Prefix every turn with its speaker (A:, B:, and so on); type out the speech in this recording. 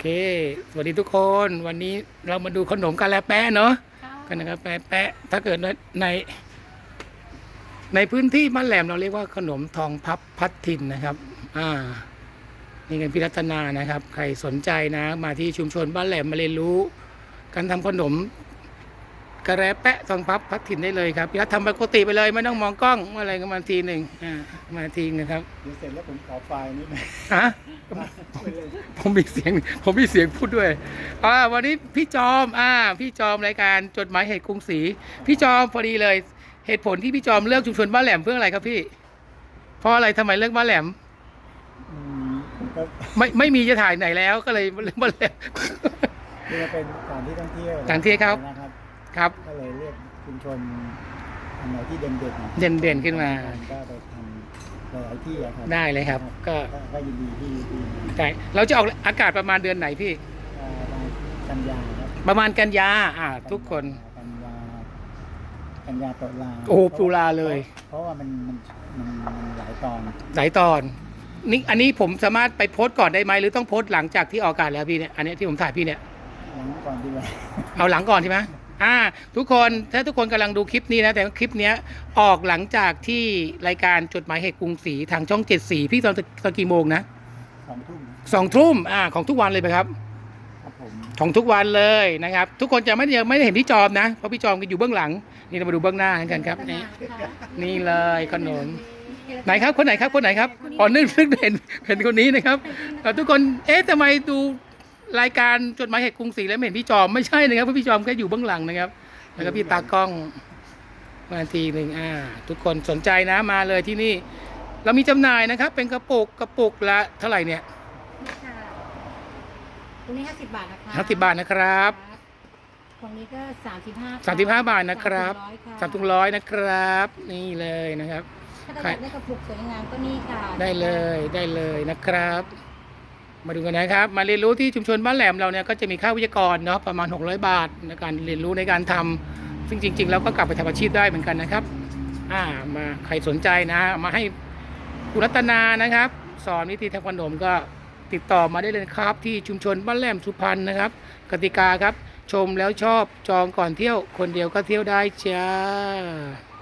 A: เคสวัสดีทุกคนวันนี้เรามาดูขนมกะลาแปะเนาะขนมกะลาแปะถ้าเกิดในในพื้นที่บ้านแหลมเราเรียกว่าขนมทองพับพัดถิ่นนะครับนี่กันพิรัตนานะครับใครสนใจนะมาที่ชุมชนบ้านแหลมมาเรียนรู้การทำขนมกะลาแปะทองพับพัดถิ่นได้เลยครับพิรัตทำปกติไปเลยไม่ต้องมองกล้องอะไรก็มาทีหนึ่งมาทีนะครับ
B: เดี๋ยวเสร็จแล้วผมขอไฟล์นิดนึง
A: ฮะผมมีเสียงพูดด้วยวันนี้พี่จอมพี่จอมรายการจดหมายเหตุกรุงศรีพี่จอมพอดีเลยเหตุผลที่พี่จอมเลือกชุมชนบ้านแหลมเพื่ออะไรครับพี่เพราะอะไรทำไมเลือกบ้านแหลม
B: ก็
A: ไม่มีจะถ่ายไหนแล้วก็เลยเลือกบ้านแหลม
B: นี่เป็นสถานที่ท่องเที่ยว
A: ครับ
B: นะครับ
A: ครับ
B: ก็เลยเลือกชุมชนอันไหนที่เด่น
A: เด่นขึ้นมา
B: ก็ไปทำหลายที่ครับ
A: ได้เลยครับ
B: ก็ยินดีที่
A: ได้เราจะออกอากาศประมาณเดือนไหนพี่
B: กันยาครับ
A: ประมาณกันยาทุกคน
B: กันยาตุลา
A: โอ้ตุลาเลย
B: เพราะว่ามันหลายตอน
A: นี่อันนี้ผมสามารถไปโพสต์ก่อนได้ไหมหรือต้องโพสต์หลังจากที่ออกอากาศแล้วพี่เนี่ยอันนี้ที่ผมถ่ายพี่เนี่ย
B: หลังก่อนดีกว่า
A: เอาหลังก่อนใช่ไหมทุกคนถ้าทุกคนกำลังดูคลิปนี้นะแต่คลิปนี้ออกหลังจากที่รายการจดหมายเหตุกรุงศรีทางช่อง7สีพี่ตอนกี่โมงนะ2 ทุ่มของทุกวันเลยไหมครับของทุกวันเลยนะครับทุกคนจะไม่ได้เห็นพี่จอมนะเพราะพี่จอมก็อยู่เบื้องหลังนี่เรามาดูเบื้องหน้ากันครับนี่เลยขนมไหนครับคนไหนครับนึกเห็นคนนี้นะครับทุกคนทำไมดูรายการจดหมายเหตุกรุงศรีแล้วไม่เห็นพี่จอมไม่ใช่นะครับเพราะพี่จอมแค่อยู่เบื้องหลังนะครับแล้วก็พี่ตากล้องมาทีหนึ่งทุกคนสนใจนะมาเลยที่นี่เรามีจำหน่ายนะครับเป็นกระปุกละเท่าไหร่เนี่ย
C: ตรงนี้50 บาทนะคะ
A: 50 บาทนะครับ
C: ตรงนี้ก็
A: 35 บาทนะครับ3 ถุง 100นะครับนี่เลยนะครับ
C: ถ้าอยากได้กระปุกสวยงามก็นี่ค่ะ
A: ได้เลยนะครับมาดูกันนะครับมาเรียนรู้ที่ชุมชนบ้านแหลมเราเนี่ยก็จะมีค่าวิทยากรเนาะประมาณ600 บาทในการเรียนรู้ในการทำซึ่งจริงๆแล้วก็กลับไปทำอาชีพได้เหมือนกันนะครับมาใครสนใจนะมาให้คุณรัตนานะครับสอนวิธีทำขนมก็ติดต่อมาได้เลยครับที่ชุมชนบ้านแหลมสุพรรณนะครับกติกาครับชมแล้วชอบจองก่อนเที่ยวคนเดียวก็เที่ยวได้จ้า